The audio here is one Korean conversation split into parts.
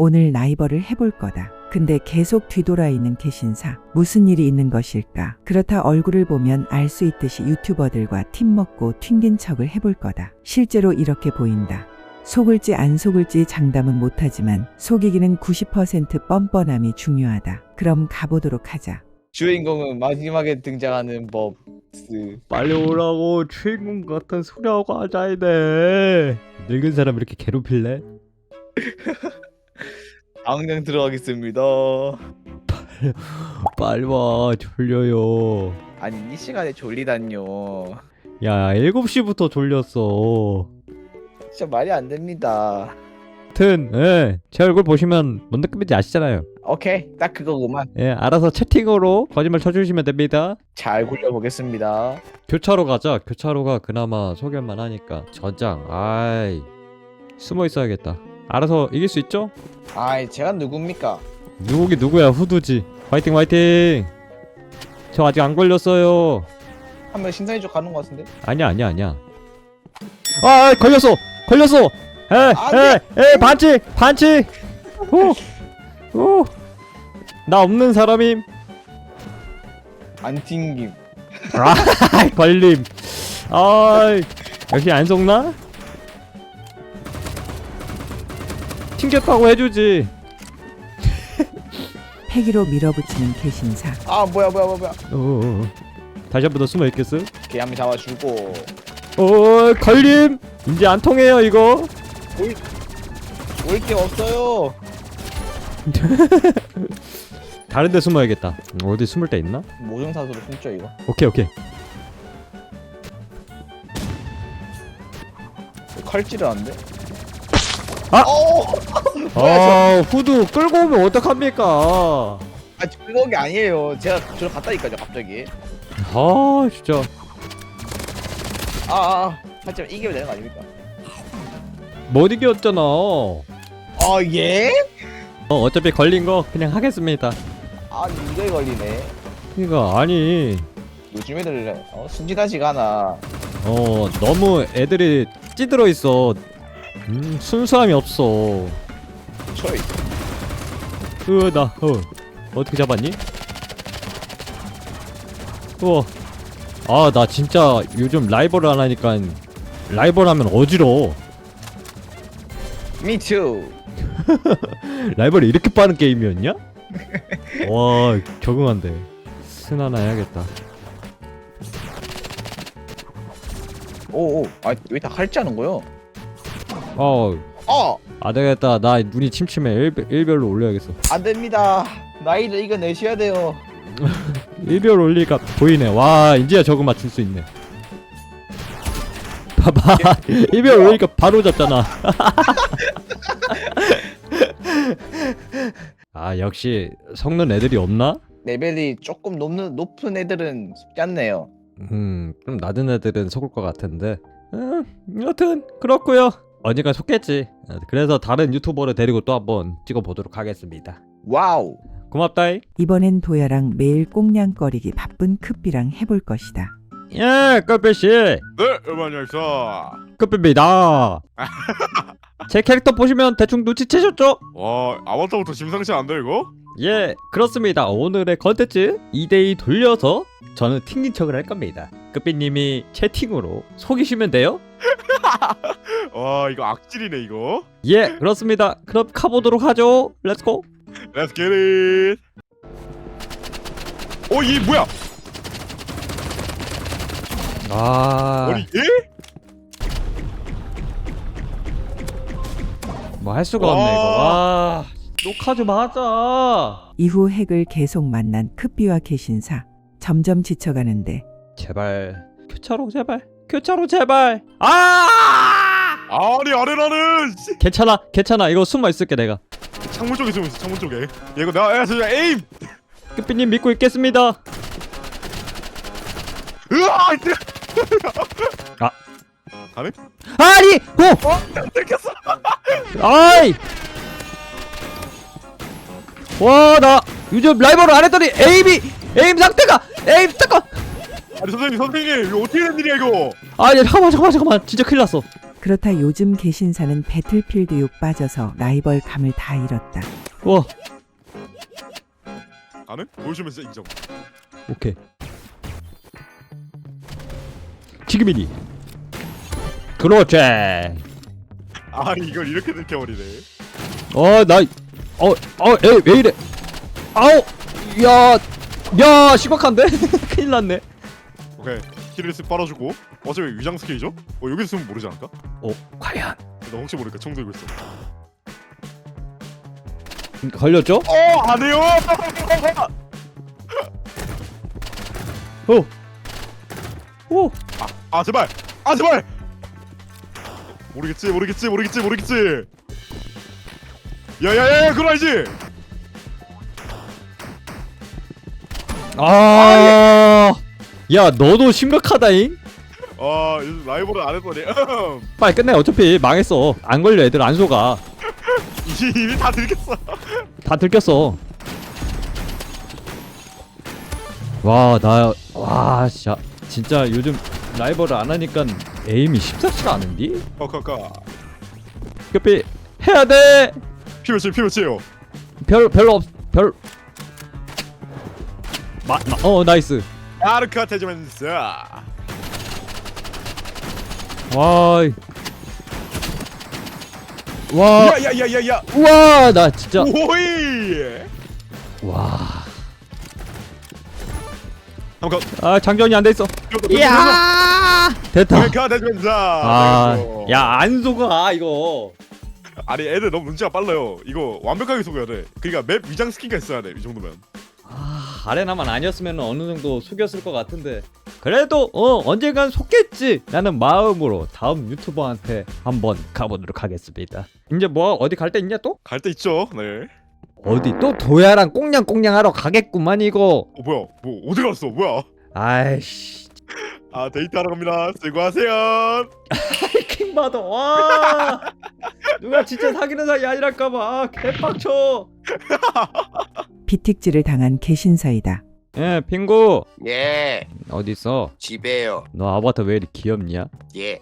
오늘 라이벌을 해볼 거다. 근데 계속 뒤돌아 있는 개신사. 무슨 일이 있는 것일까? 그렇다 얼굴을 보면 알 수 있듯이 유튜버들과 팀 먹고 튕긴 척을 해볼 거다. 실제로 이렇게 보인다. 속을지 안 속을지 장담은 못하지만 속이기는 90% 뻔뻔함이 중요하다. 그럼 가보도록 하자. 주인공은 마지막에 등장하는 법스. 빨리 오라고. 주인공 같은 소리하고 하자이네. 늙은 사람 이렇게 괴롭힐래? 당장 들어가겠습니다. 빨리 와. 졸려요. 아니 이 시간에 졸리다뇨. 야 7시부터 졸렸어. 진짜 말이 안 됩니다. 하여튼 제 얼굴 보시면 뭔 느낌인지 아시잖아요. 오케이 딱 그거구만. 알아서 채팅으로 거짓말 쳐주시면 됩니다. 잘 굴려보겠습니다. 교차로 가자. 교차로가 그나마 소견만 하니까. 전장 아이 숨어 있어야겠다. 알아서 이길 수 있죠? 아이 제가 누굽니까? 누구기 누구야. 후두지. 화이팅 화이팅. 저 아직 안 걸렸어요. 한 명 신선이 쪽 가는 것 같은데? 아니야. 아 걸렸어. 에 반칙. 나 없는 사람임. 안 튕김. 아 걸림. 아 역시 안 속나? 튕겼다고 해주지. 패기로 밀어붙이는 개신사. 아 뭐야. 다시 한 번 더 숨어 있겠어? 걔 한 명 잡아주고. 걸림. 이제 안 통해요 이거. 올 게 없어요. 다른 데 숨어야겠다. 어디 숨을 데 있나? 모정사수로 숨죠 이거. 오케이. 칼질을 하는데? 아! 뭐야, 후드 끌고 오면 어떡합니까? 아 그런 게 아니에요. 제가 저를 갔다니까요 갑자기. 진짜. 하지만 이기면 되는 거 아닙니까? 못 이겼잖아. 아 예? 어차피 걸린 거 그냥 하겠습니다. 아니 이거에 걸리네. 그니까 아니 요즘 애들 순진하지가 않아. 너무 애들이 찌들어 있어. 순수함이 없어. 초이. 나 어떻게 잡았니? 우와. 나 진짜 요즘 라이벌을 안 하니까 라이벌 하면 어지러워. Me too. 라이벌이 이렇게 빠른 게임이었냐? 와 적응한대. 스나나 해야겠다. 오오. 왜 다 칼질하는 거요? 되겠다. 나 눈이 침침해. 일별로 올려야겠어. 안 됩니다. 나이를 이겨내셔야 돼요. 일별 올리니까 보이네. 와 이제야 적응 맞출 수 있네. 봐봐. 일별 올리니까 바로 잡잖아. 역시 성능 애들이 없나? 레벨이 조금 높은 애들은 쉽지 않네요. 좀 낮은 애들은 속을 것 같은데. 여튼 그렇고요. 언젠가 속겠지. 그래서 다른 유튜버를 데리고 또 한번 찍어보도록 하겠습니다. 와우. 고맙다이. 이번엔 도야랑 매일 꽁냥거리기 바쁜 크삐랑 해볼 것이다. 끝배씨. 네, 안녕하세요. 끝배입니다. 제 캐릭터 보시면 대충 눈치채셨죠? 와, 아바타부터 심상치 않은데 이거? 예, 그렇습니다. 오늘의 컨텐츠 2대2 돌려서 저는 튕긴 척을 할 겁니다. 끝비님이 채팅으로 속이시면 돼요? 와, 이거 악질이네 이거. 예, 그렇습니다. 그럼 가보도록 하죠. 렛츠고. Let's get it. 얘 뭐야? 아니 얘? 뭐 할 수가 없네 이거. 녹화 좀 하자. 이후 핵을 계속 만난 크삐와 개신사. 점점 지쳐가는데 제발 교차로 제발. 아니 아래라는. 괜찮아. 이거 숨어 있을게 내가. 창문 쪽에 숨어 있어. 창문 쪽에. 이거 내가 진짜 에임. 끝비님 믿고 있겠습니다. 으아! 가네? 아니! 들켰어. 아이! 와, 나 요즘 라이벌을 안 했더니 에임 상태가 잠깐! 아니 선생님 이거 어떻게 된 일이야 이거? 아니 잠깐만 진짜 큰일 났어. 그렇다 요즘 개신사는 배틀필드 욕 빠져서 라이벌 감을 다 잃었다. 와 나는 보여주면 진짜 인정. 오케이 지금이니 그렇지 아니 이걸 이렇게 들켜버리네. 왜 이래 아우 야 심각한데 큰일 났네 오케이 힐을 쓱 빨아주고 어차피 위장 스킬이죠? 여기서 쓰면 모르지 않을까? 과연 나 혹시 모르니까 총 들고 있어. 걸렸죠? 안해요. 오 아 제발 제발. 모르겠지. 야야야 그거 알지? 야 너도 심각하다잉 요즘 라이벌을 안 했더니 빨리 끝내 어차피 망했어 안 걸려 애들 안 속아 이미 다 들켰어. 다 들켰어 진짜 요즘 라이벌을 안 하니까 에임이 쉽사치가 않은디? 카카카. 급히 해야 돼 피몇이에요? 나이스 아르카 태즈멘스. 야야야야야. 우와 나 진짜 오이. 와 한번 장전이 안 돼 있어 이야 됐다 아르카 태즈멘스. 야 안 속아 이거 아니 애들 너무 눈치가 빨라요. 이거 완벽하게 속여야 돼. 그러니까 맵 위장 스킨가 있어야 돼. 이 정도면. 아레나만 아니었으면 어느 정도 속였을 것 같은데 그래도 언젠간 속겠지 라는 마음으로 다음 유튜버한테 한번 가보도록 하겠습니다. 이제 뭐 어디 갈 데 있냐 또? 갈 때 있죠. 네. 어디 또 도야랑 꽁냥꽁냥 하러 가겠구만 이거. 뭐야? 뭐 어디 갔어? 뭐야? 아이씨 데이트하러 갑니다. 수고하세요. 킹받아 와 누가 진짜 사귀는 사이 아니랄까봐 개빡쳐. 비틱질을 당한 개신사이다. 예 핑구 예, 어딨어? 집에요. 너 아바타 왜 이렇게 귀엽냐? 예,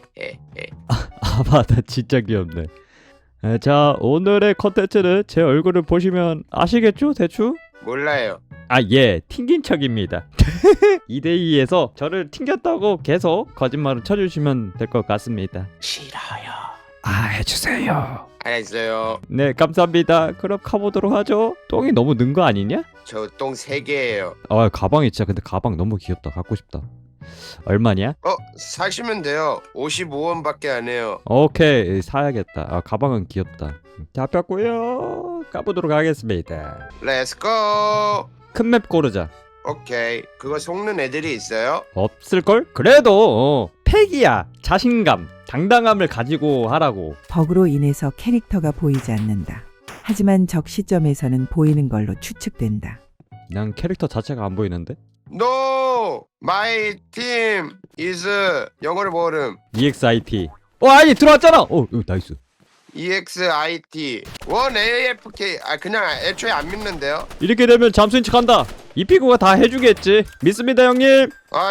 아바타 진짜 귀엽네. 자 오늘의 컨텐츠는 제 얼굴을 보시면 아시겠죠 대충? 몰라요. 예 튕긴 척입니다. 2대2에서 저를 튕겼다고 계속 거짓말을 쳐주시면 될 것 같습니다. 싫어요. 해주세요. 알았어요. 네 감사합니다. 그럼 가보도록 하죠. 똥이 너무 는 거 아니냐? 저 똥 3개예요. 가방이 진짜 근데 가방 너무 귀엽다. 갖고 싶다. 얼마냐? 사시면 돼요. 55원밖에 안 해요. 오케이 사야겠다. 가방은 귀엽다. 잡혔고요. 가보도록 하겠습니다. 렛츠고. 큰 맵 고르자. 오케이. 그거 속는 애들이 있어요? 없을걸? 그래도 패기야 자신감 당당함을 가지고 하라고. 버그로 인해서 캐릭터가 보이지 않는다. 하지만 적 시점에서는 보이는 걸로 추측된다. 난 캐릭터 자체가 안 보이는데? No, my team is 영어를 모름. EXIT 아니 들어왔잖아. 나이스. EXIT 1AFK. 그냥 애초에 안 믿는데요. 이렇게 되면 잠수인 척한다. 이 피구가 다 해주겠지. 믿습니다 형님.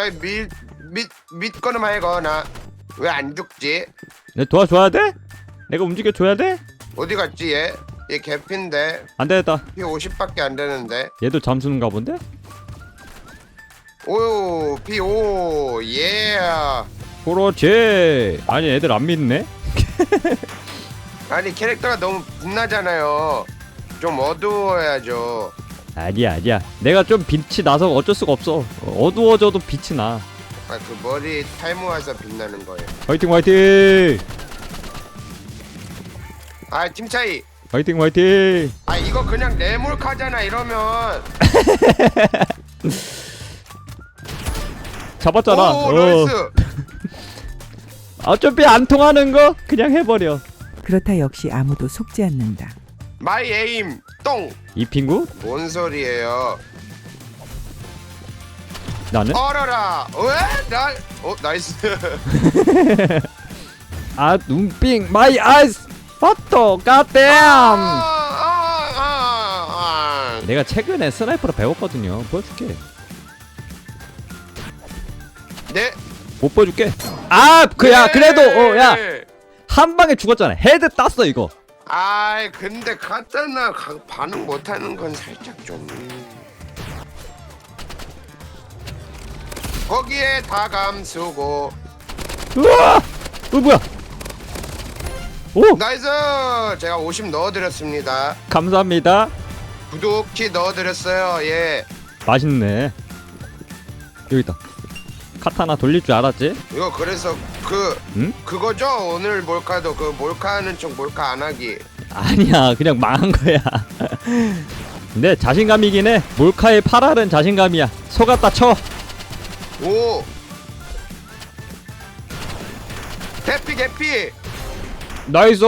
믿거나 말거나. 왜 안 죽지? 내 도와줘야 돼? 내가 움직여줘야 돼? 어디 갔지 얘? 얘 개핀데 안 되겠다. 피 50밖에 안 되는데. 얘도 잠수는가 본데? 오, 피5 예. 그렇지. 아니 애들 안 믿네. 아니 캐릭터가 너무 빛나잖아요. 좀 어두워야죠. 아니야 내가 좀 빛이 나서 어쩔 수가 없어. 어두워져도 빛이 나. 그 머리 탈모해서 빛나는 거예요. 화이팅 팀 차이. 화이팅 이거 그냥 네몰카잖아 이러면. 잡았잖아. 오, 나이스. 어차피 안 통하는 거 그냥 해버려. 그렇다 역시 아무도 속지 않는다. 마이 에임 똥. 이 핑구? 뭔 소리예요? 나는? 어라라. 왜? 나이스. 눈빙 마이 아이스 파토 갓댐. 내가 최근에 스나이퍼를 배웠거든요. 보여줄게. 네. 못 보여줄게. 그래도 야 한 방에 죽었잖아. 헤드 땄어 이거. 아이 근데 카타나 반응 못하는 건 살짝 좀. 거기에 다 감수고. 우와! 뭐야? 오! 나이스. 제가 50 넣어드렸습니다. 감사합니다. 구독키 넣어드렸어요. 예. 맛있네. 여기 있다. 카타나 돌릴 줄 알았지? 이거 그래서 응? 그거죠. 오늘 몰카도 그 몰카하는 척 몰카 안 하기. 아니야, 그냥 망한 거야. 근데 자신감이긴 해. 몰카의 8알은 자신감이야. 속았다 쳐. 오. 개피. 나이스.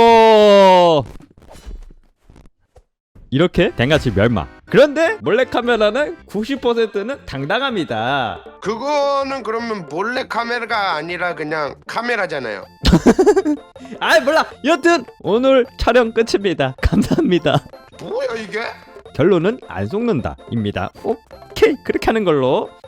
이렇게 댕같이 멸망. 그런데 몰래카메라는 90%는 당당합니다. 그거는 그러면 몰래 카메라가 아니라 그냥 카메라잖아요. 아이 몰라. 여튼 오늘 촬영 끝입니다. 감사합니다. 뭐야 이게? 결론은 안 속는다 입니다. 오케이, 그렇게 하는 걸로.